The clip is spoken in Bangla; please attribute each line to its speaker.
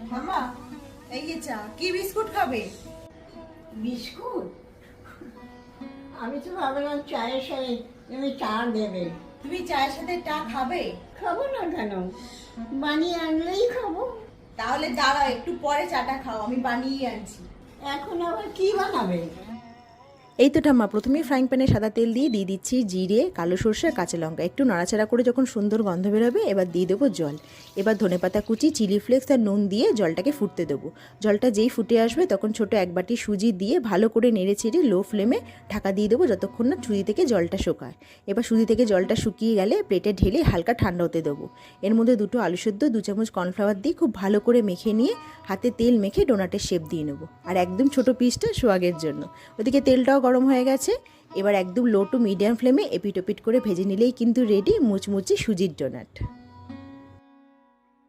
Speaker 1: মামা, এই যে চা। কি বিস্কুট খাবে?
Speaker 2: বিস্কুট? আমি তো ভাবলাম চায়ের সাথে তুমি চা দেবে।
Speaker 1: তুমি চায়ের সাথে চা খাবে?
Speaker 2: খাবো না কেন, বানিয়ে আনলেই খাবো।
Speaker 1: তাহলে দাঁড়াও, একটু পরে চাটা খাও, আমি বানিয়ে আনছি।
Speaker 2: এখন আবার কি বানাবে?
Speaker 3: এই তো ঠাম্মা, প্রথমেই ফ্রাইং প্যানে সাদা তেল দিয়ে দিচ্ছি জিরে, কালো সরষে আর কাঁচা লঙ্কা। একটু নাড়াচাড়া করে যখন সুন্দর গন্ধ বেরোবে এবার দিয়ে দেবো জল। এবার ধনেপাতা কুচি, চিলি ফ্লেক্স আর নুন দিয়ে জলটাকে ফুটতে দেবো। জলটা যেই ফুটে আসবে তখন ছোট এক বাটি সুজি দিয়ে ভালো করে নেড়ে ছেড়ে লো ফ্লেমে ঢাকা দিয়ে দেবো যতক্ষণ না সুজি থেকে জলটা শুকায়। এবার সুজি থেকে জলটা শুকিয়ে গেলে প্লেটে ঢেলে হালকা ঠান্ডা হতে দেবো। এর মধ্যে দুটো আলু সেদ্ধ, 2 চামচ কর্নফ্লাওয়ার দিয়ে খুব ভালো করে মেখে নিয়ে হাতে তেল মেখে ডোনাটের শেপ দিয়ে নেবো। আর একদম ছোট পিসটা সোয়াগের জন্য। ওদিকে তেলটাও গরম হয়ে গেছে। এবার একদম লো টু মিডিয়াম ফ্লেমে এপিট ওপিট করে ভেজে নিলেই কিন্তু রেডি মুচমুচে সুজির ডোনাট।